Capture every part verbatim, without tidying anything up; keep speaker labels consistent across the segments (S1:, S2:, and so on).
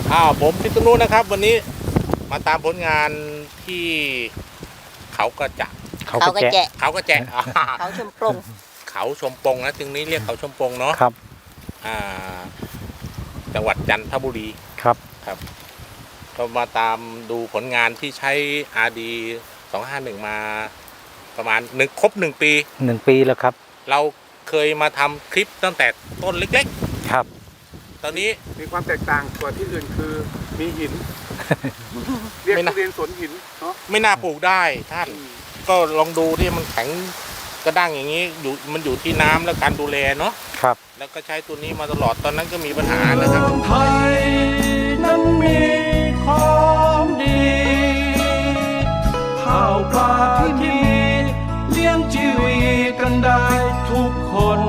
S1: อ้าวผมพิษณุนะครับวันนี้มาตามผลงานที่เขากระจะ
S2: เขากระแจะ
S1: เขากระแจะ
S2: เขาชมปง
S1: เขาชมปงนะจึงนี้เรียกเขาชมปงเนาะ
S3: ครับ
S1: อ่าจังหวัดจันทบุรี
S3: ครับ
S1: ครับก็มาตามดูผลงานที่ใช้ อาร์ ดี สองห้าหนึ่งมาประมาณหนึ่งครบหนึ่งปี
S3: หนึ่งปีแล้วครับ
S1: เราเคยมาทำคลิปตั้งแต่ต้นเล็ก
S3: ๆครับ
S1: ตอนนี้
S4: มีความแตกต่างกว่าที่อื่นคือมีหินเรียกทุเรียนสวนหินเนาะ
S1: ไม่น่าปลูกได้ท่านก็ลองดูที่มันแข็งกระด้างอย่างนี้อยู่มันอยู่ที่น้ำและการดูแลเนาะ
S3: ครับ
S1: แล้วก็ใช้ตัวนี้มาตลอดตอนนั้นก็มีปัญหานะครับ
S5: ไทยนั้นมีของดีข้าวปลาที่มีเลี้ยงชีวิตกันได้ทุกคน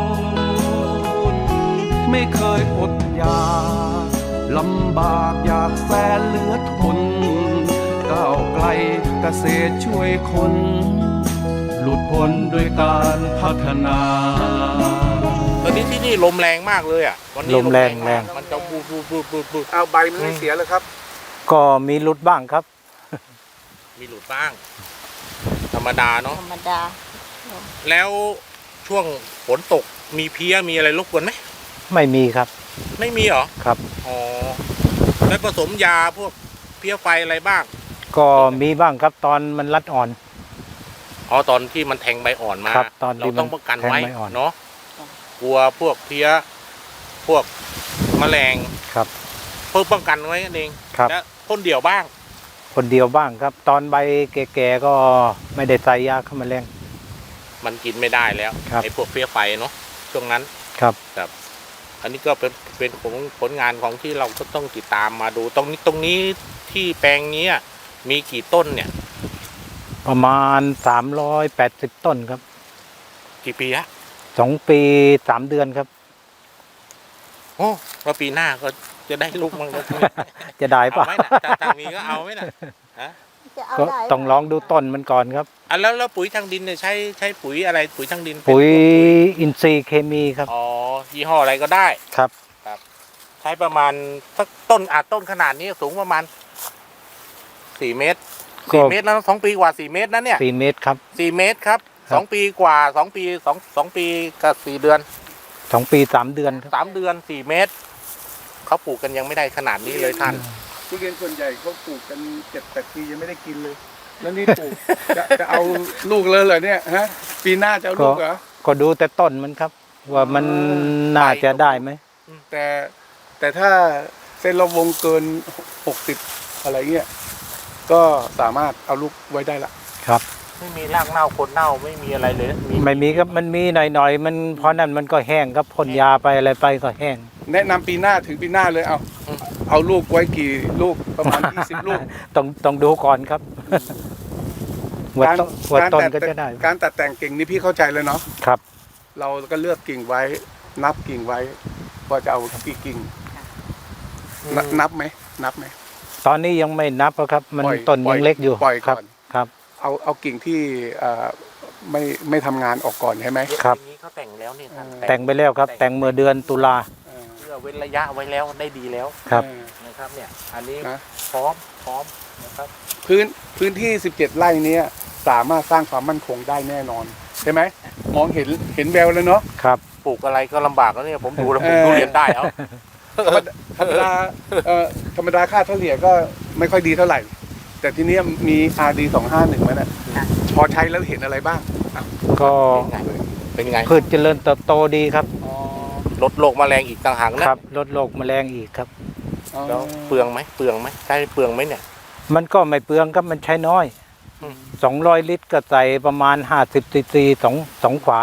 S5: ไม่เคยอดอยากลำบากอยากแสนเหลือทนก้าวไกลเกษตรช่วยคนหลุดพ้นด้วยการพัฒนา
S1: ตอนนี้ที่นี่ลมแรงมากเลยอ่ะวันนี้
S3: ลมแรงแรง
S1: มันจะบูดบูดบูดบูดบูด
S4: เอาใบมันไม่เสียเลยครับ
S3: ก็มีหลุดบ้างครับ
S1: มีหลุดบ้างธรรมดาเนาะ
S2: ธรรมดา
S1: แล้วช่วงฝนตกมีเพี้ยมีอะไรรบกวนไหม
S3: ไม่มีครับ
S1: ไม่มีเหรอ
S3: ครับ
S1: อ๋อแล้วผสมยาพวกเพี้ยไฟอะไรบ้าง
S3: ก็มีบ้างครับตอนมันรัดอ่อน
S1: อ๋อตอนที่มันแทงใบอ่อนมาเราต้องป้องกันไว้เนาะกลัวพวกเพี้ยพวกแมลง
S3: ครับ
S1: เพื่อป้องกันไว้นั่นเองและพ่นเดี่ยวบ้าง
S3: คนเดียวบ้างครับตอนใบแก่ๆก็ไม่ได้ใส่ยาฆ่าแมลง
S1: มันกินไม่ได้แล้วไอ้พวกเพี้ยไฟเนาะช่วงนั้น
S3: ครับ
S1: ครับอันนี้ก็เป็นเป็นผลผลงานของที่เราก็ต้องติดตามมาดูตรงนี้ตรงนี้ที่แปลงนี้มีกี่ต้นเนี่ย
S3: ประมาณสามร้อยแปดสิบต้นครับ
S1: กี่ปีฮะ
S3: สองปีสามเดือนครับ
S1: โอ้แล้วปีหน้าก็จะได้ลูกมั้งแล้ว
S3: จะได้ปะ
S1: เอาไหมนะทางนี้ก็เอาไหมนะฮะ
S3: ก็ต้องลองดูต้นมันก่อนครับ
S1: อ่ะแล้วแล้วปุ๋ยทางดินเนี่ยใช้ใช้ปุ๋ยอะไรปุ๋ยทางดิน
S3: ปุ๋ยอินทรีย์เคมีครับ
S1: อ๋อยี่ห้ออะไรก็ได้
S3: ครับ
S1: ครับใช้ประมาณสักต้นอาจต้นขนาดนี้สูงประมาณสี่เมตรสี่เมตรแล้วสองปีกว่าสี่เมตรนะเนี่ย
S3: สี่เมตรครับ
S1: สี่เมตรครับสองปีกว่าสองปีสองสองปีกับสี่เดือน
S3: สองปีสามเดือน
S1: สามเดือนสี่เมตรเขาปลูกกันยังไม่ได้ขนาดนี้เลยท่าน
S4: ทุเรียนส่วนใหญ่เขาปลูกกันเจ็ดแปดปียังไม่ได้กินเลยแล้วนี่ปลูกจะจะเอาลูกเลยเหรอเนี่ยฮะปีหน้าจะเอาลูกเหรอ
S3: ก็ดูแต่ต้นมันครับว่ามันน่าจะได้ไหม
S4: แต่แต่ถ้าเส้นรอบวงเกินหกสิบอะไรเงี้ยก็สามารถเอาลูกไว้ได้ละ
S3: ครับ
S1: ไม่มีรากเน่าคนเน่าไม่มีอะไรเลย
S3: ไม่มีครับมันมีหน่อยๆมันเพราะนั้นมันก็แห้งครับพ่นยาไปอะไรไปก็แห้ง
S4: แนะนำปีหน้าถึงปีหน้าเลยเอาเอาลูกไว้กี่ลูกประมาณยี่สิบลูก
S3: ต้องต้องดูก่อนครับวัดวัดต้นก็จะได้
S4: การตัดแต่งกิ่งนี่พี่เข้าใจเลยเนาะ
S3: ครับ
S4: เราก็เลือกกิ่งไว้นับกิ่งไว้ว่าจะเอากี่กิ่งนับไหมนับไหม
S3: ตอนนี้ยังไม่นับครับมันต้นยังเล็กอยู่
S4: ปล่อยก่อน
S3: ครับ
S4: เอาเอากิ่งที่ไม่ไม่ทำงานออกก่อนใช่ไหม
S3: ครับ
S1: นี้เขาแต่งแล้วนี่
S3: แต่งไปแล้วครับแต่งเมื่อเดือนตุลา
S1: เพื่อเว้นระยะไว้แล้วได้ดีแล้ว
S3: ครับ
S1: นะครับเนี่ยอันนี้พร้อมพร้อมนะครับ
S4: พื้นพื้นที่สิบเจ็ดไร่นี้สามารถสร้างความมั่นคงได้แน่นอนใช่ไหมมองเห็นเห็นแววแล้วเนาะ
S3: ครับ
S1: ปลูกอะไรก็ลำบากแล้วเนี่ยผมดูแล้วผมดูเรียนได้เอา
S4: ธรรมดาเอ่อธรรมดาค่าเฉลี่ยก็ไม่ค่อยดีเท่าไหร่แต่ทีนี้มี อาร์ ดี สองห้าหนึ่งมั้ยนะพอใช้แล้วเห็นอะไรบ้าง
S3: ก็
S1: เป็นไง
S3: พืชเจริญเติบโตดีครับ
S1: ลดโรคแมลงอีกต่างหากนะครับ
S3: ลดโรคแมลงอีกครับ
S1: แล้วเปลืองไหมเปลืองไหมใช้เปลืองไหมเนี่ย
S3: มันก็ไม่เปลืองครับมันใช้น้อยสองร้อยลิตรก็ใส่ประมาณห้าสิบซีซีสองสองขวา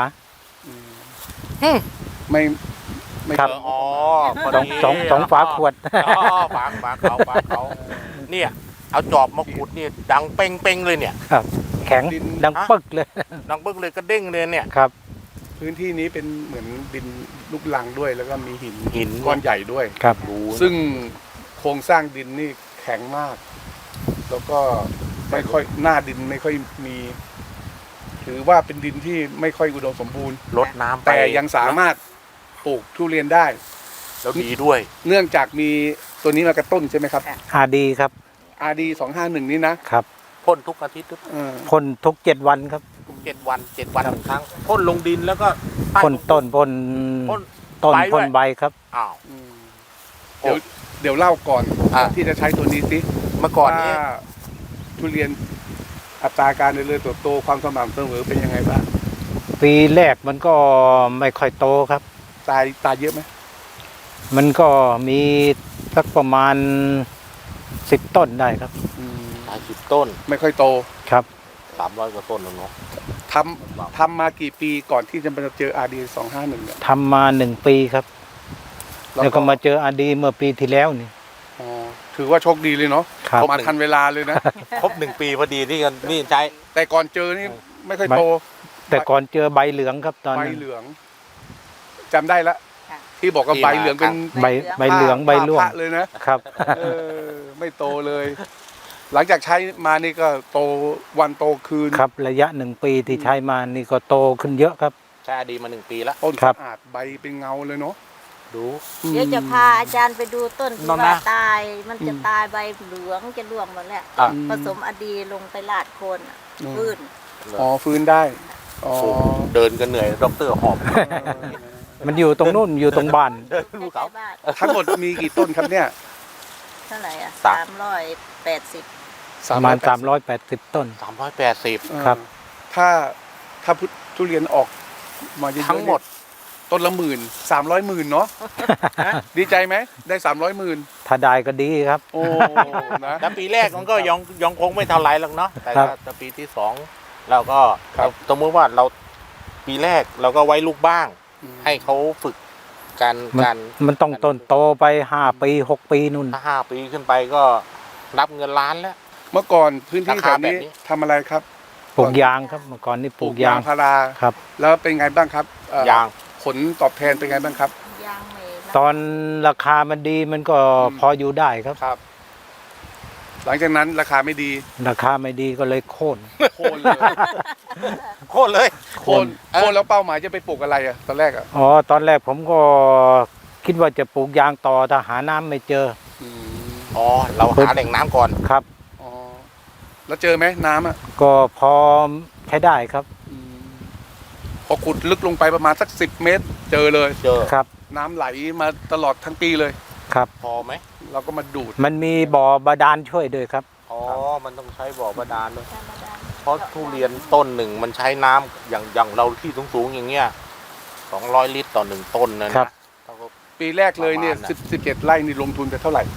S4: ไม่ไม่
S3: ครับ
S1: อ๋อ
S3: สองสองสองฝาขวด
S1: อ๋อฝาฝาเขาฝาเขาเนี่ยเอาจอบมาขุดนี่ดังเป้งเป้งเลยเนี่ย
S3: ครับแข็งดังปึ๊กเลย
S1: ดังปึ๊กเลยก็เด้งเลยเนี่ย
S3: ครับ
S4: พื้นที่นี้เป็นเหมือนดินลูกรังด้วยแล้วก็มีหิน
S1: หิน
S4: ก้อนใหญ่ด้วย
S3: ครับ
S4: ซึ่งโครงสร้างดินนี่แข็งมากแล้วก็ไม่ค่อยหน้าดินไม่ค่อยมีถือว่าเป็นดินที่ไม่ค่อยอุดมสมบูรณ์
S1: ลดน้ำ
S4: แต่ยังสามารถปลูกทุเรียนได้
S1: แล้วดีด้วย
S4: เนื่องจากมีโซตัวนี้มากระตุ้นใช่ไหมครับ
S3: อาดีครับ
S4: อาร์ ดี สองห้าหนึ่งนี่นะครับ
S1: พ่นทุกอาทิตย์ทุก
S4: เออ
S3: พ่นทุกเจ็ดวันครับ
S1: เจ็ดวันเจ็ดวันหนึ่งครั้งพ่นลงดินแล้วก็ใ
S3: พ่นต้นพ่น
S1: พ่น
S3: ต้น
S1: ใบด้วย
S3: พ่นใบครับ
S1: อ้าว
S4: อืมเดี๋ยวเดี๋ยวเล่าก่อน
S1: อ่า
S4: ที่จะใช้ตัวนี้สิ
S1: เมื่อก่อนนี้
S4: ว่าทุเรียนอัตราการเจริญเติบโตความสม่ำเสมอเป็นยังไงบ้าง
S3: ปีแรกมันก็ไม่ค่อยโตครับ
S4: ตายตายเยอะไหม
S3: มันก็มีสักประมาณสิบต้นได้ครับ
S4: อืม
S1: หลายสิบต้น
S4: ไม่ค่อยโต
S3: ครับ
S1: สามร้อยกว่าต้นแล้วเนาะ
S4: ทำทำมากี่ปีก่อนที่จะมาเจอ อาร์ ดี สองห้าหนึ่งเนี่ย
S3: ทำมาหนึ่งปีครับ แล้วก็มาเจออาดีเมื่อปีที่แล้วนี่
S4: อ๋อถือว่าโชคดีเลยเนาะ
S3: ครับ
S4: มาทันเวลาเลยนะ
S1: ครบหนึ่งปีพอดีที่กันนี่ใช้
S4: แต่ก่อนเจอนี่ไม่ค่อยโต
S3: แต่ก่อนเจอใบเหลืองครับตอน
S4: ใบ
S3: นั้น
S4: เหลืองจำได้ละ
S2: ค่ะ
S4: ที่บอกว่าใบเหลืองเป็น
S3: ใบใบเหลืองใบร่วง
S4: พระเลยนะครับ เออไม่โตเลย หลังจากใช้มานี่ก็โตวันโตคืน
S3: ครับระยะหนึ่งปีที่ใช้มานี่ก็โตขึ้นเยอะครับ
S1: ใช้อดีมาหนึ่งปีแล้ว
S4: ต้น
S3: ครับ
S4: สะอาดใบเป็นเงาเลยเนาะ
S1: ดู
S2: เดี๋ยวจะพาอาจารย์ไปดูต้นที่
S1: น้องนะ
S2: ว่าตาย มันจะตายใบเหลืองจะร่วงหมดแล้ว
S1: อ่ะ
S2: ผสมอดีลงไปลาดโคนอะพื้น
S4: อ๋อฟื้นได้อ๋อ
S1: โอ้โหเดินกันเหนื่อยด็อกเตอร์หอบ
S3: มันอยู่ตรงนู่นอยู่ตรงบ้าน
S1: เดินลูก
S2: ใกล้
S1: เขา
S2: ๆบ้าน
S4: ทั้งหมดมีกี่ต้นครับเนี่ย
S2: เท่าไหร่อ่ะ
S1: สาม
S2: สามร้อยแปดสิบ
S3: ประมาณสามร้อยแปดสิบต้น
S1: สามร้อยแปดสิบ
S4: เออ
S3: ครับ
S4: ถ้าถ้าทุเรียนออกมาเยอะๆ
S1: ทั้งหมด
S4: เนี่ยต้นละหมื่นสามร้อยหมื่นเนาะดีใจไหมได้สามร้อยหมื่น
S3: ถ้าได้ก็ดีครับ
S4: โอ้นะ
S1: แล้วปีแรกมันก็ยังยังคงไม่เท่าไรหรอกเนาะแต่
S3: ครับ
S1: ถ้าปีที่สองเราก็
S4: ครับ
S1: สมมติว่าเราปีแรกเราก็ไว้ลูกบ้าง ให้เขาฝึกการ
S3: มัน
S1: การ
S3: มันต้องต้นโตไปห้าปีหกปีนู่น
S1: ถ้าห้าปีขึ้นไปก็นับเงินล้านแล้ว
S4: เมื่อก่อนพื้นที่
S1: รา
S4: แถ
S1: คาว แบบ
S4: นี้
S1: นี้
S4: ทำอะไรครับ
S3: ปลูกยางครับเมื่อก่อนนี่ปลูกยาง
S4: พารา
S3: ครับ
S4: แล้วเป็นไงบ้างครับเอ่อย
S1: าง
S4: ผลตอบแทนเป็นไงบ้างครับ
S2: ยางเมนะ
S3: ตอนราคามันดีมันก็
S4: อืม
S3: พออยู่ได้ครับ
S4: ครับ หลังจากนั้นราคาไม่ดี
S3: ราคาไม่ดีก็เลยโค่น
S4: โค่นเลย
S1: โคตรเลย
S4: โค่นโค่นแล้วเป้าหมายจะไปปลูกอะไรอะตอนแรกอะ
S3: อ๋อตอนแรกผมก็คิดว่าจะปลูกยางต่อแต่หาน้ำไม่เจอ
S4: อืม
S1: อ๋อเราหาแหล่งน้ำก่อน
S3: ครับ
S4: อ๋อแล้วเจอไหมน้ำอะ
S3: ก็พอใช้ได้ครับ
S4: อืมพอขุดลึกลงไปประมาณสักสิบเมตร เจอเลย
S1: เจอ
S3: ครับ
S4: น้ำไหลมาตลอดทั้งปีเลย
S3: ครับ
S1: พอไหม
S4: เราก็มาดูด
S3: มันมีบ่อบาดาลช่วยด้วยครับ
S1: อ๋อมันต้องใช้บ่อบาดาลด้วย
S2: ธรรมดา
S1: เพราะทุเรียนต้นหนึ่งมันใช้น้ำอย่างอย่างเราที่สูงๆอย่างเงี้ยสองร้อยลิตรต่อหนึ่งต้นนะ
S3: ครั
S1: นะ
S3: บ
S1: เท่ากับ
S4: ปีแรกเลยเนี่ย
S1: ประมาณน่ะ
S4: สิบสิบเจ็ดไร่นี่ลงทุนไปเท่าไหร่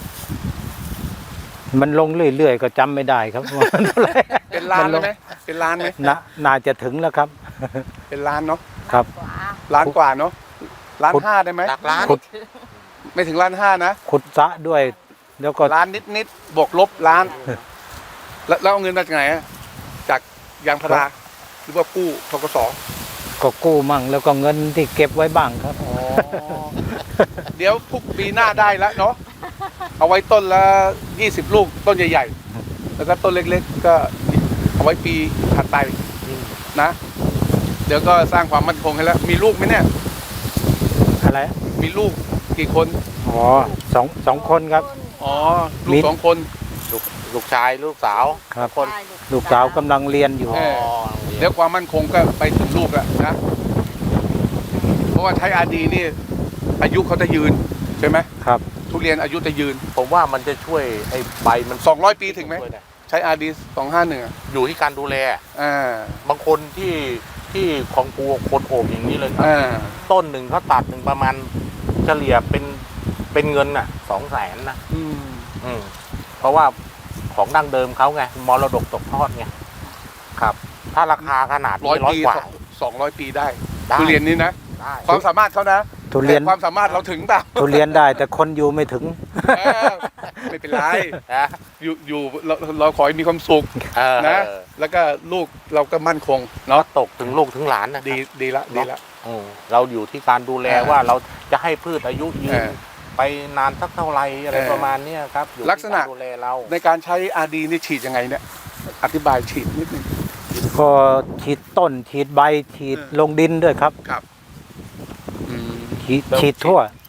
S3: มันลงเรื่อยๆก็จำไม่ได้ครับ ว่าเท่าไหร่
S4: เป็นล้าน
S3: มันล
S4: เลย
S3: ง
S4: ไหมเป็นล้านไหม
S3: น่าน่าจะถึงแล้วครับ
S4: เป็นล้านเนาะ
S3: ครับ
S2: ขวา
S4: ล้านกว่าเนาะล้าน
S3: ขุด
S4: ห้าได้ไหม
S1: หลักล้าน
S3: ขุด
S4: ไม่ถึงล้านห้านะ
S3: ขุดสระด้วย แล้วก็
S4: ล้านนิดนิดๆบวกลบล้าน แล้วแล้วเอาเงินมาจากไหนอะจากยางพาราหรือว่ากู้ทกส
S3: ก็กู้มั่งแล้วก็เงินที่เก็บไว้บ้างครับ
S4: อ๋อเดี๋ยวพรุ่งปีหน้าได้แล้วเนาะเอาไว้ต้นละยี่สิบลูกต้นใหญ่ๆแล้วก็ต้นเล็กๆ ก็เอาไว้ปีถัดไปนะ เดี๋ยวก็สร้างความมั่นคงให้แล้ว มีลูกไหมเนี่ย
S3: อะไร
S4: มีลูกกี่คน
S3: อ๋อสองสองคนครับ
S4: อ๋อ ลู
S3: มี
S4: กสองคน
S1: ลูกลูกชายลูกสาว
S3: ครับ
S1: คน
S2: ได้
S3: ลูกสาวกำลังเรียนอยู่
S4: เอ
S1: อ๋อ
S4: เดี๋ยวความมั่นคงก็ไปถึงลูกแล้วนะ เพราะว่าใช้อาดีนี่ อายุเขาจะยืนใช่ไหม
S3: ครับ
S4: ทุเรียนอายุจะยืน
S1: ผมว่ามันจะช่วยไอ้ใบมัน
S4: สองร้อยปีถึงไหม
S1: ช่วยด้
S4: ใช้อาดีสองห้าหนึ่ง
S1: อยู่ที่การดูแล
S4: อ่า
S1: บางคนที่ที่ของปูคนโอบอย่างนี้เลยครับ
S4: อ่า
S1: ต้นหนึ่งเขาตัดหนึ่งประมาณเฉลี่ยเป็นเป็นเงินน่ะสองแสนนะ
S4: อืม
S1: อืมเพราะว่าของดั้งเดิมเขาไงมรดกตกทอดไงครับ ถ้าราคาขนาด
S4: ร้อ
S1: นี้
S4: ย
S1: ร้อย
S4: ปี
S1: กว่า
S4: สองร้อยปีได้
S1: ได้
S4: ทุเรียนนี้นะ
S1: ได้
S4: ความสามารถเขานะ
S3: ทุเรียน
S4: แต่ความสามารถเราถึงเปล่า
S3: ทุเรียนได้แต่คนอยู่ไม่ถึง
S4: เออไม่เป็นไร
S1: นะ
S4: อยู่อยู่เราเราขอให้มีความสุข
S1: เออ
S4: นะ แล้วก็ลูกเราก็มั่นคงเนาะ
S1: ตกถึงลูกถึงหลานนะ
S4: ดีดีละดีละ
S1: อืมเราอยู่ที่การดูแล
S4: เออ
S1: ว่าเราจะให้พืชอายุยื
S4: เอน อ
S1: ไปนานสักเท่าไหรอะไร
S4: เออ
S1: ประมาณเนี้ยครับอยู่
S4: ลักษณะ
S1: ที่ารดูแลเรา
S4: ในการใช้อาดีนี่ฉีดยังไงเนี่ย อธิบายฉีดนิดนึง
S3: ก็ฉีดต้นฉีดใบฉีด
S4: เออ
S3: ลงดินด้วยครับ
S4: ครับอืม
S3: ฉีดฉีดทั่ว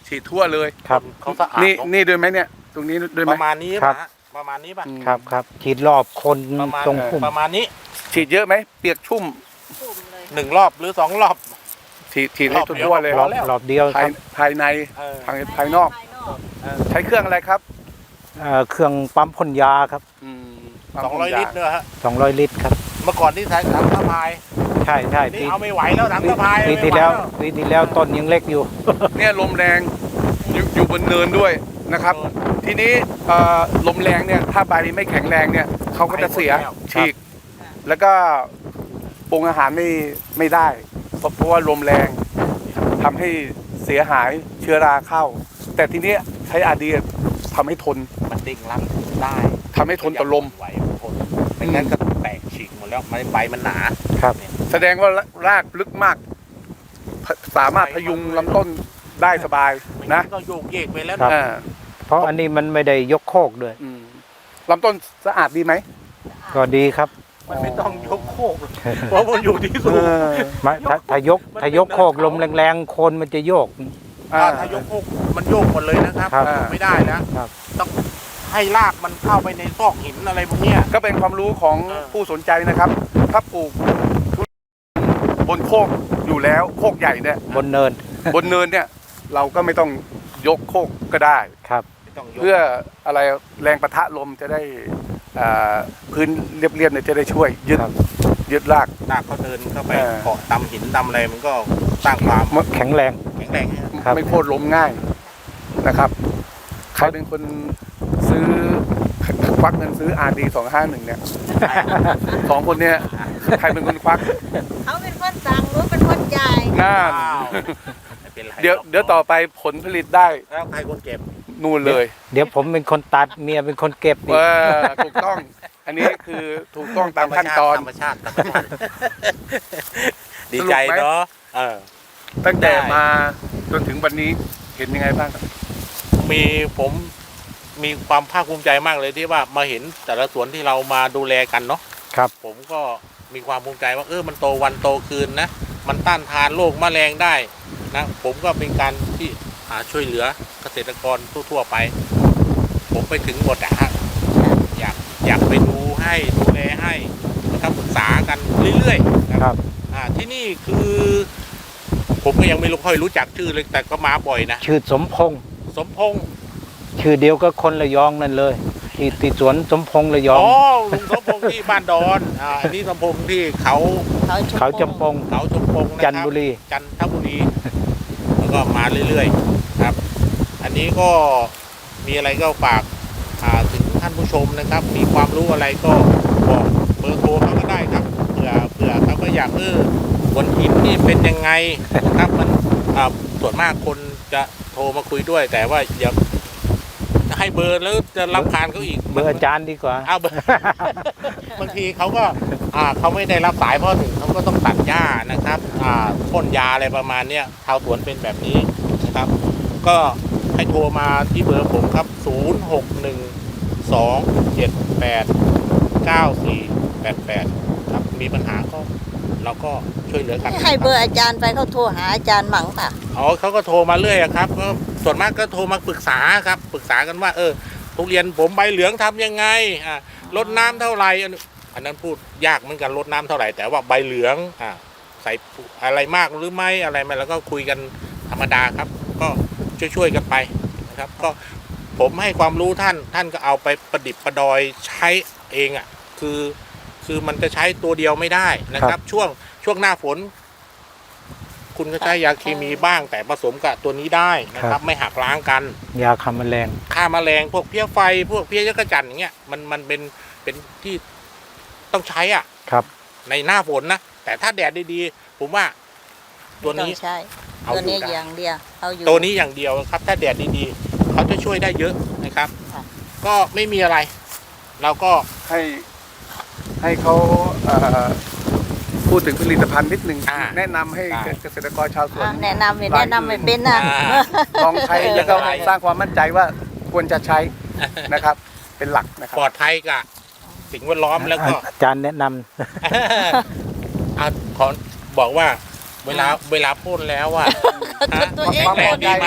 S4: ฉีดทั่วเลย
S3: ครับ
S1: เขาสะอาด
S4: นี่
S1: เนอะ
S4: นี่ด้วยไหมเนี่ย ตรงนี้ด้วยไห
S1: ป
S4: ม
S1: ระมาณนี้
S3: ครับ
S1: ปะประมาณนี้ป่ะ
S4: อืม
S3: ครับครับฉีดรอบคน
S1: ประมาณ
S3: ตรงพุ่ม
S1: ประมาณนี้
S4: ฉีดเยอะไหมเปียกชุ่ม
S2: ปุ่มเลย
S1: หนึ่งรอบหรือสองรอบ
S4: ฉีดฉีดให้
S1: รอบเดียว
S4: ทั่วๆเลย
S3: รอบ
S1: แล้ว
S3: รอบเดียวค
S4: ภาย
S3: รับ
S4: ภายใน
S1: เออ
S4: ภายภายนอก
S2: ภายนอก
S4: ใช้เครื่องอะไรครับ
S3: เอ่อเครื่องปั๊มพ่นยาครับ
S4: อืม
S1: สองร้อยลิตรเนอะฮะ
S3: สองร้อยลิตรครับ
S1: เมื่อก่อนที่ใช้ถังสะพาย
S3: ใช่ใช่
S1: นี่
S3: ปี
S1: เอาไม่ไหวแล้วถังสะพาย
S3: ปี
S1: ไม่
S3: ที่
S1: ไห
S3: แล้ว
S1: แล้ว
S3: ปีที่แล้วต้นยังเล็กอยู่
S4: เนี่ยลมแรงอยู่อยู่บนเนินด้วยนะครับ ทีนี้เอ่อลมแรงเนี่ยถ้าใบไม่แข็งแรงเนี่ยเขาก็จะเสียฉีก แล้วก็ปรุงอาหารไม่ไม่ได้ เพราะเพราะว่าลมแรงทำให้เสียหายเชื้อราเข้า แต่ทีนี้ใช้อาดีทำให้ทน
S1: มันดิ่งรับได้
S4: ทำให้ทนต่อลม
S1: ไหวทนไม่งั้นก็แตกฉีกหมดแล้วมันใบมันหนา
S3: ครับ
S4: แสดงว่ารากลึกมากพสามารถพยุงลำต้นได้สบาย
S1: ไม่
S4: นะ
S1: งั้นก็โยกเยกไปแล้ว
S3: ครับ
S4: อ่า
S3: เพราะอันนี้มันไม่ได้ยกโคกด้วย
S4: อืมลำต้นสะอาดดีไหม
S3: ก็ดีครับ
S1: มันไม่ต้องยกโคกเพราะมันอยู่ที่สูง
S3: ไม่ถ้าถ้ายกถ้ายกโคกลมแรงๆโคนมันจะโยก
S4: อ่า
S1: ถ้ายกโคกมันโยกหมดเลยนะครับ
S3: ครับ
S1: ไม่ได้นะครับ ต้องให้รากมันเข้าไปในซอกหินอะไรพวกเนี้ย
S4: ก็เป็นความรู้ของ
S1: เออ
S4: ผู้สนใจนะครับ ถ้าปลูกทุเรียนบนโคกอยู่แล้วโคกใหญ่เนี่ย
S3: บนเนิน
S4: บนเนินเนี่ยเราก็ไม่ต้องยกโคกก็ได้
S3: ครับ
S1: ไม่ต้องยก
S4: เพื่ออะไรแรงปะทะลมจะได้อ่าพื้นเรียบๆเนี่ยจะได้ช่วยยึด
S3: ครับ
S4: ยึดราก
S1: รากเขาเดินเข้าไป
S4: เออ
S1: เกาะตำหินตำอะไรมันก็สร้างความ
S3: แข็งแรง
S1: แข็งแรงให้
S3: ครับ
S4: ไม่โค่นล้มง่ายนะครับ ใครเป็นคนซื้อควักเงินซื้อ อาร์ ดี สองห้าหนึ่งเนี่ยสองคนเนี่ยใครเป็นคนควัก
S2: เขาเป็นคนสั่งหรือเป็นคนจ่าย
S4: น่า
S1: อ้าวไม่เป็นไร
S4: เดี๋ยวเดี๋ยวต่อไปผลผลิตได้
S1: แล้วใครคนเก็บ
S4: นู่นเลย
S3: เดี๋ยวผมเป็นคนตัดเมียเป็นคนเก็บอีก
S4: ว่าถูกต้อง อันนี้คือถูกต้องตามขั้นตอน
S1: ธรรมชาติธรรมชาติดีใจเนาะเออ
S4: ตั้งแต่
S1: ได้
S4: มาจนถึงวันนี้เห็นยังไงบ้างครับ
S1: มีผมมีความภาคภูมิใจมากเลยที่ว่ามาเห็นแต่ละสวนที่เรามาดูแลกันเนาะ
S3: ครับ
S1: ผมก็มีความภูมิใจว่าเออมันโตวันโตคืนนะมันต้านทานโรคแมลงได้นะผมก็เป็นการที่หาช่วยเหลือเกษตรกรทั่วๆไป ผมไปถึงหมดอะฮะอยากอยากไปดูให้ดูแลให้นะครับปรึกษากันเรื่อยๆนะครับ อ่าที่นี่คือ ผมก็ยังไม่รู้ค่อยรู้จักชื่อเลยแต่ก็มาบ่อยนะ
S3: ชื่อสมพงษ์
S1: สมพงษ์
S3: ชื่อเดียวก็คนระยองนั่นเลยที่ที่สวนสมพงษ์ระยอง
S1: อ๋อลุงสมพงษ์ที่บ้านดอนอ่าอันนี้สมพงษ์ที่เขา
S2: เขาชม
S3: เขาจำปง
S1: เขาชมพงษ์นะครับ
S3: จันทบุรี
S1: จันทบุรี แล้วก็มาเรื่อยๆครับ อันนี้ก็มีอะไรก็ฝากอ่าถึงท่านผู้ชมนะครับ มีความรู้อะไรก็บอกเบอร์โทรเขาก็ได้ครับเผื่อเผื่อเขาก็อยากเออบนหินนี่เป็นยังไงนะครับมันอ่าส่วนมากคนจะโทรมาคุยด้วย แต่ว่าอย่าให้เบอร์แล้วจะรับคานเขาอีก
S3: เบอร์อาจารย์ดีกว่า
S1: เอาเบอร์ บางทีเขาก็อ่าเขาไม่ได้รับสายเพราะถึงเขาก็ต้องตัดหญ้านะครับอ่าพ่นยาอะไรประมาณเนี้ยชาวสวนเป็นแบบนี้นะครับ ก็ให้โทรมาที่เบอร์ผมครับศูนย์ หก หนึ่ง สอง เจ็ด แปด เก้า สี่ แปด แปดครับมีปัญหาก็เราก็ช่วยเหลือกัน
S2: ให้เบอร์อาจารย์ไปเขาโทรหาอาจารย์หมั่งป่ะ
S1: อ๋อเขาก็โทรมาเรื่อยอะครับก็ส่วนมากก็โทรมาปรึกษาครับปรึกษากันว่าเออทุเรียนผมใบเหลืองทำยังไงอ่าลดน้ำเท่าไหร่อันอันนั้นพูดยากเหมือนกันลดน้ำเท่าไหร่แต่ว่าใบเหลืองอ่าใส่อะไรมากหรือไม่อะไรมาแล้วก็คุยกันธรรมดาครับ ก็ช่วยๆกันไปนะครับ ก็ผมให้ความรู้ท่านท่านก็เอาไปประดิษฐ์ประดอยใช้เองอ่ะคือคือมันจะใช้ตัวเดียวไม่ได้นะครับ ช่วงช่วงหน้าฝน คุณก็ใช้ยาเคมีบ้างแต่ผสมกับตัวนี้ได้นะค
S3: ครั
S1: รับ
S3: บ
S1: ไม่หักล้างกัน
S3: ยาฆ่าแมลง
S1: ฆ่าแมลงพวกเพี้ยไฟพวกเพี้ยยักษ์จันทร์อย่างเงี้ยมันมันเป็นเป็นที่ต้องใช้อ่ะ
S3: ครับ
S1: ในหน้าฝนนะแต่ถ้าแดดดีๆผมว่าตัวนี้
S2: ไม่ต้องใช่
S1: เอา
S2: ตัวนี้
S1: อยู่ได้
S2: อย่างเดียวเอาอยู่
S1: ตัวนี้อย่างเดียวครับ ถ้าแดดดีๆเขาจะช่วยได้เยอะนะครับ
S2: ค่ะ
S1: ก็ไม่มีอะไร เราก็
S4: ให้ให้เขาเอ่อพูดถึงผลิตภัณฑ์นิดนึง
S1: อ่า
S4: แนะนำให้
S1: ได้
S4: เกษตรกรชาวสวน
S2: อ่ะแนะนำไม่แนะนำไม่เป็นนะ
S1: อ่า
S4: ลองใช้
S2: เออ
S4: แล้วก็
S1: ได้
S4: สร้างความมั่นใจว่าควรจะใช้นะครับ เป็นหลักนะครั
S1: ปลอดภัยกับสิ่งแวดล้อมแล้วก็
S3: อาจารย์แนะนำ
S1: อ่ะขอบอกว่าเวลาเวลาพ่นแล้วอ่ะฮะ
S2: ตัวเอง
S1: แข็งแรงดีไหม
S2: เ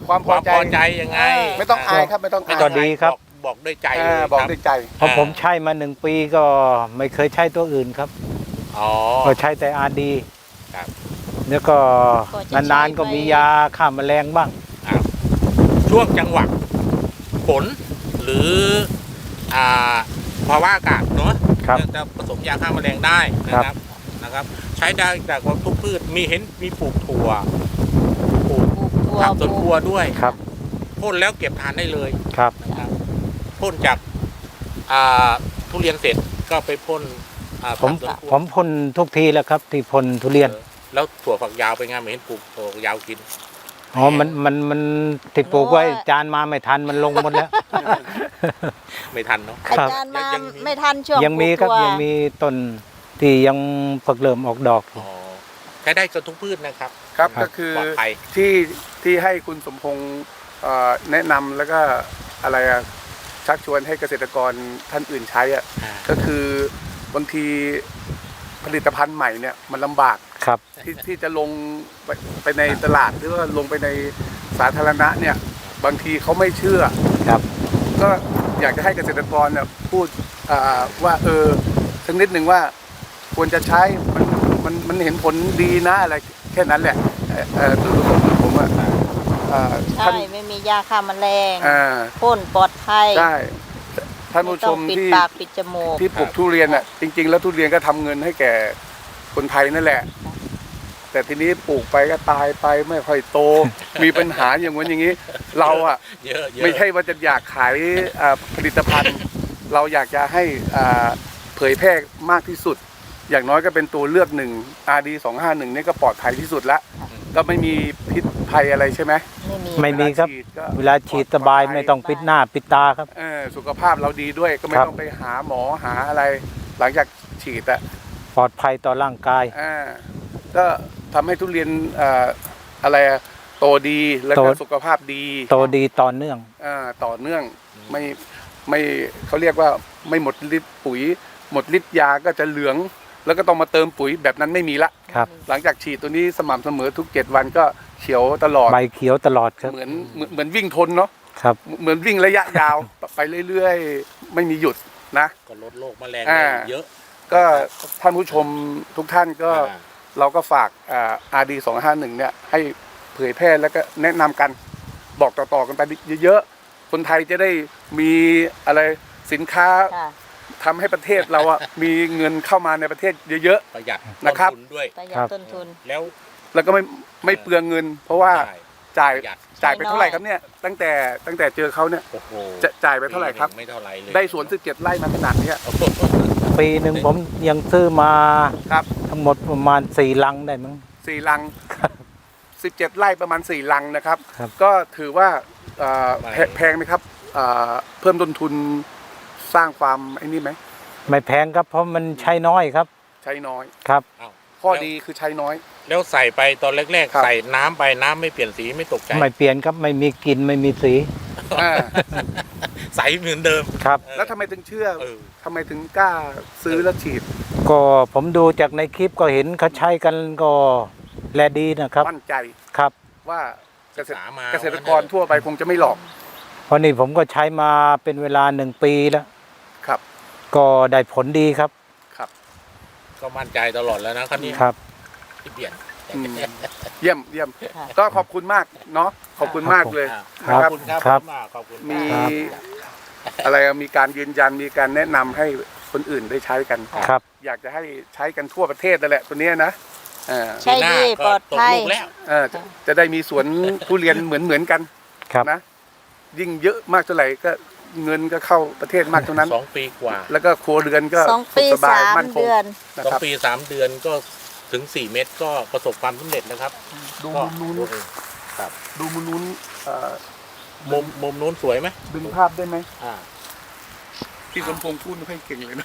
S4: ความพ
S1: ควา
S4: อ
S1: ม
S4: ใจ
S1: พอใจยังไง
S4: ไม่ต้องอายครับไม่ต้อง
S1: ไม่
S4: อาย
S1: ต้อง
S3: ดีครับ
S1: อกบอกด้วยใจเล
S4: อ่าย บอก
S1: ครับ
S4: ด้วยใจ
S3: เพราะผมใช้มาหนึ่งปีก็ไม่เคยใช้ตัวอื่นครับ
S1: อ๋อ
S3: ก็ใช้แต่อาดี
S1: ครับ
S3: แล้วก็
S2: ก็จะใช้
S3: นานๆก็มียาฆ่าแมลงบ้าง
S1: ครับช่วงจังหวะฝนหรืออ่าภาวะอากาศเนาะ
S3: ครับ
S1: จะผสมยาฆ่าแมลงได้นะครับนะครับ ใช้ได้จากทุกพืชมีเห็นมีปลูกถั่วปลูก
S2: ปลูกถั่ว
S1: ผักสวน
S2: ป
S1: ค
S2: ลู
S1: รัว
S2: ก
S1: ด้วย
S3: ครับ
S1: พ่นแล้วเก็บทานได้เลย
S3: ครับ
S1: นะครับพ่นจากอ่าทุเรียนเสร็จก็ไปพ่นอ่า
S3: ผม
S1: ผักสวนครัว
S3: ผมพ่นทุกทีแล้วครับ ที่พ่นทุเรียน
S1: เออแล้วถั่วฝักยาวเป็นไงไม่เห็นปลูกถั่วฝักยาวกิน
S3: อ๋อ มัน มัน มันที่ปลูกไว้จานมาไม่ทันมันลงหมดแล้ว
S1: ไม่ทันเนาะ
S3: ครับ
S2: อาจารย์มา
S1: ยังมี
S2: ไม่ทันช่วง
S3: ยังมีครับ
S2: ปลูกถั่ว
S3: ยังมีต้นที่ยังเพิ่งเริ่มออกดอกอยู่
S1: อ๋อใช้ได้กับทุกพืชนะครับ
S4: ครับ
S3: ครับ
S4: ก็คือ
S1: ปลอดภัย
S4: ที่ที่ให้คุณสมพงษ์เอ่อแนะนำแล้วก็อะไรอะชักชวนให้เกษตรกรท่านอื่นใช้อะก็คือบางทีผลิตภัณฑ์ใหม่เนี่ยมันลำบาก
S3: ครับ
S4: ที่ที่จะลงไปไปในตลาดหรือว่าลงไปในสาธารณะเนี่ยบางทีเขาไม่เชื่อ
S3: ครับ
S4: ก็อยากจะให้เกษตรกรเนี่ยพูดอ่าว่าเออสักนิดหนึ่งว่าควรจะใช้มันมันมันเห็นผลดีนะอะไรแค่นั้นแหละเอ่อเอ่อจุดประสงค์ของผมอะอ่า
S2: ใช่
S4: ท่าน
S2: ไม่มียาฆ่าแมลง
S4: อ่า
S2: พ่นปลอดภัย
S4: ใช่ท่านผู้ชม
S2: ไต้องปิด
S4: ที่
S2: ปากปิดจมูก
S4: ที่ปลูกทุเรียนอ่ะจริง ๆ แล้วทุเรียนก็ทำเงินให้แก่คนไทยนั่นแหละ แต่ทีนี้ปลูกไปก็ตายไปไม่ค่อยโต มีปัญหาอย่างนั้นอย่างนี้ เราอ่ะ
S1: เยอะเยอะ
S4: ไม่ใช่ว่าจะอยากขายอ่าผลิตภัณฑ์ เราอยากจะให้อ่าเผยแพร่มากที่สุด อย่างน้อยก็เป็นตัวเลือกหนึ่ง อาร์ ดี สองห้าหนึ่งนี่ก็ปลอดภัยที่สุดละก็ไม่มีพิษภัยอะไรใช่ไหม
S2: ไม่มี
S3: ไม่มีครับ
S4: เวลาฉีดก็
S3: เวลาฉีดสบายไม่ต้องปิดหน้าปิดตาครับ
S4: เออสุขภาพเราดีด้วยก็ไม่
S3: ครับ
S4: ต้องไปหาหมอหาอะไร หลังจากฉีดอะ
S3: ปลอดภัยต่อร่างกาย
S4: อ่าก็ทำให้ทุเรียนอ่าอะไรอะโตดีแล้วก็
S3: โต
S4: สุขภาพดี
S3: โตดีต่อเนื่อง
S4: อ่าต่อเนื่องไม่ไม่เขาเรียกว่าไม่หมดฤทธิ์ปุ๋ย หมดฤทธิ์ยาก็จะเหลือง แล้วก็ต้องมาเติมปุ๋ยแบบนั้นไม่มีละ
S3: ครับ
S4: หลังจากฉีดตัวนี้สม่ำเสมอทุกเจ็ดวันก็เขียวตลอด
S3: ใบเขียวตลอดครับ
S4: เหมือนเหมือนเหมือนวิ่งทนเนาะ
S3: ครับ
S4: เหมือนวิ่งระยะยาว ไปเรื่อยๆ ไม่มีหยุดนะ
S1: ก็ลดโรคแมลง
S4: อ่า
S1: ได้เยอะ
S4: ก็ท่านผู้ชมทุกท่านก็
S1: อ่า
S4: เราก็ฝากอ่า อาร์ ดี สองห้าหนึ่งเนี่ยให้เผยแพร่แล้วก็แนะนำกันบอกต่อๆกันไปเยอะๆ คนไทยจะได้มีอะไรสินค้า
S2: ค่ะ
S4: ทำให้ประเทศเราอะมีเงินเข้ามาในประเทศเยอะ
S1: ประหยัด
S4: นะครับ
S1: ต้นทุนด้วย
S2: ประหยั
S3: ครั
S2: ด
S3: บ
S2: ต้นทุน
S1: แล้ว
S4: ๆ แล้วก็ไม่ไม่เปลืองเงิน เพราะว่า
S1: ใช่
S4: จ่าย
S1: ประหยัด
S4: จ่ายไป
S2: ใช้น้อย
S4: เท่าไหร่ครับเนี่ยตั้งแต่ตั้งแต่เจอเขาเนี่ย
S1: โอ้โห
S4: จะจ่ายไปเท่าไหร่ครับ
S1: ปีนึ่งไม่เท่าไหร่เลย
S4: ได้สวนสิบเจ็ดไร่มาขนาดเนี้ย
S1: โอ้โห
S3: ปีหนึ่งผมยังซื้อมา
S4: ครับ
S3: ทั้งหมดประมาณสี่ลังได้มั้ง
S4: สี่ลังสิบเจ็ดไร่ประมาณสี่ลังนะครับ
S3: ครับ
S4: ก็ถือว่าเอ่อแพแพงไหมครับเอ่อเพิ่มต้นทุนสร้างความไอ้นี่ไหม
S3: ไม่แพงครับเพราะมันใช้น้อยครับ
S4: ใช้น้อย
S3: ครับ
S1: อ้าว
S4: ข้อดีคือใช้น้อย
S1: แล้วใส่ไปตอนแรก
S4: ครับ
S1: ๆ ใส่น้ำไปน้ำไม่เปลี่ยนสีไม่ตกใจ
S3: ไม่เปลี่ยนครับไม่มีกลิ่นไม่มีสี
S4: อ่า
S1: ใสเหมือนเดิม
S3: ครับ
S1: เออ
S4: แล้วทำไมถึงเชื่อ
S1: เออ
S4: ทำไมถึงกล้าซื้อแล้วฉีด
S3: ก็ผมดูจากในคลิปก็เห็นเขาใช้กันก็แลดีนะครับ
S4: มั่นใจ
S3: ครับ
S4: ว่าเกษตร
S1: ศึกษามา
S4: เกษตรกรทั่วไปคงจะไม่หลอก
S3: เพราะนี่ผมก็ใช้มาเป็นเวลาหนึ่งปีแล้ว
S4: ครับ
S3: ก็ได้ผลดีครับ
S4: ครับ
S1: ก็มั่นใจตลอดแล้วนะคันนี้
S3: ครับ
S1: ที่เปลี่ยน
S4: อืมเยี่ยมเยี่ยม
S2: ค่ะ
S4: ก็ขอบคุณมากเนาะขอบคุณมากเลย
S1: อ่า
S3: ครับ
S1: ขอบคุณครับ
S3: ครับ
S1: มากขอบคุณ
S4: มี
S1: ครับ
S4: อะไรอะมีการยืนยันมีการแนะนำให้คนอื่นได้ใช้กัน
S3: ครับ
S4: อยากจะให้ใช้กันทั่วประเทศนั่นแหละตัวเนี้ยนะเออ
S2: ใช่ดีปลอดภัย
S1: ตกลูกแล้ว
S4: เออจะจะได้มีสวนทุเรียนเหมือนเหมือนกัน
S3: ครับ
S4: นะยิ่งเยอะมากเท่าไหร่ก็เงินก็เข้าประเทศมากเท่านั้น
S1: สองปีกว่า
S4: แล้วก็ครัวเรือนก็
S2: สอง
S4: สุ
S2: ปี
S4: ขสบาย
S2: สาม
S4: มั่นคง
S2: เดือน
S4: นะ
S1: สอง
S4: ครับ
S1: ปีสามเดือนก็ถึงสี่เม็ดก็ประสบความสำเร็จนะครับ
S4: ดู
S1: ก็
S4: มุมนู้น
S1: โอเคครับ
S4: ดูมุมนู้นเอ่อ
S1: มุมมุมนู้นสวยไหม
S4: ดึงภาพได้ไหม
S1: อ่า
S4: พี่สมพงษ์พูดไม่ค่อยเก่งเลยนะ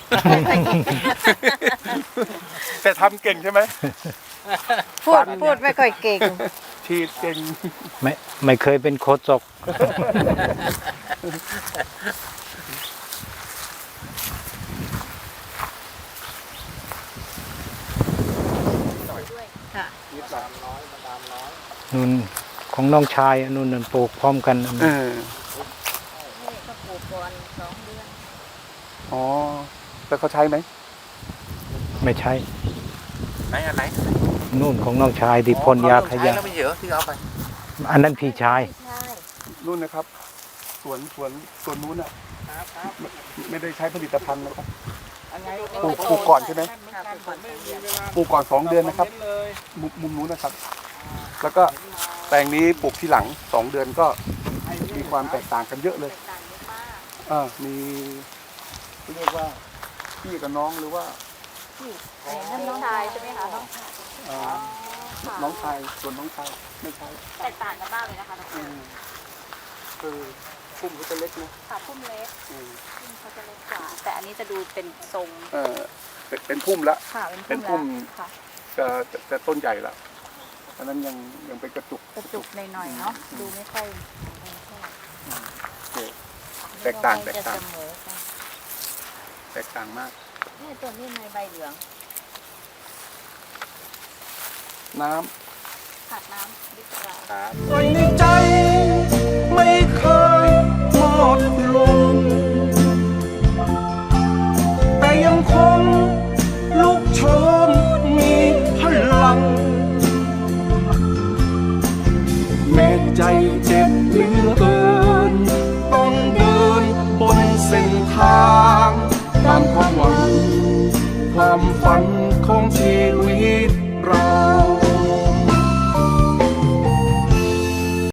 S4: แต่ทำเก่งใช่ไหม
S2: พูดพูดไม่ค่อยเก่ง
S4: ฉีดเก่ง
S3: ไม่ไม่เคยเป็นโคศก
S2: ค่ะ
S3: นู่นโคของน้องชายอันนู้นนั่นปลูกพร้อมกันอัน
S4: เอ
S3: นั้น
S4: อ
S2: นี่ก็ปลูกก่อนสองเดือน
S4: อ๋อแล้วเขาใช้ไหม
S3: ไม่ใช่
S1: ไหนอันไหน
S3: นู่นของน้องชายที่พ่นยาขยะ
S1: แล้วไม่เยอะที่เอาไป
S3: อันนั้นพี่ชาย
S2: ใช่
S4: นู่นนะครับสวนสวนสวนนู้นอ่ะไม่ไม่ได้ใช้ผลิตภัณฑ์นะครับ ปลูกปลูกก่อนใช่ไหม
S2: ค่ะปลูกก่อนสองเดือน
S4: ปลูกก่อนสองเดือนนะครับมุมมุมนู้นนะครับ แล้วก็แปลงนี้ปลูกที่หลังสองเดือนก็มีความแตกต่างกันเยอะเลย
S2: ต่างเยอะมาก
S4: อ่ามีเรียกว่าพี่กับน้องหรือว่า
S2: นี่นั่นน้องชายใช่ไหมคะน้องชาย
S4: อ่าน้องชายส่วนน้องชายไม่ใช่
S2: แตกต่างกันมากเลยนะคะน้อง
S4: อืมคือพุ่มเขาจะเล็กนะ
S2: ค่ะพุ่มเล็ก
S4: อืม
S2: พุ่มเขาจะเล็กกว่า แต่อันนี้จะดูเป็นทรง
S4: เออเป็นเป็นพุ่มละ
S2: ค่ะ
S4: เป็
S2: เป็น
S4: นพุ่
S2: พุ่ม
S4: ม
S2: แล้วค่ะ
S4: จะจะจะต้นใหญ่ละอันนั้นยังยังเป็นกระจุก
S2: กระจุกหน่อยๆเนาะดูไม่ค่อย
S4: โอเคแตกต่างแตกต่าง
S2: จะเสมอกัน
S4: แตกต่างมาก
S2: นี่ตัวนี้ในใบเหลือง
S4: น้
S2: ขาดน้ำดิบกว่า
S1: ครับ
S5: ไว้ในใจไม่เคยหมดลงแต่ยังคงลุกโชนมีพลัง แม้ใจเจ็บเหลือเกินต้องเดินบนเส้นทางตามความหวังความฝันของ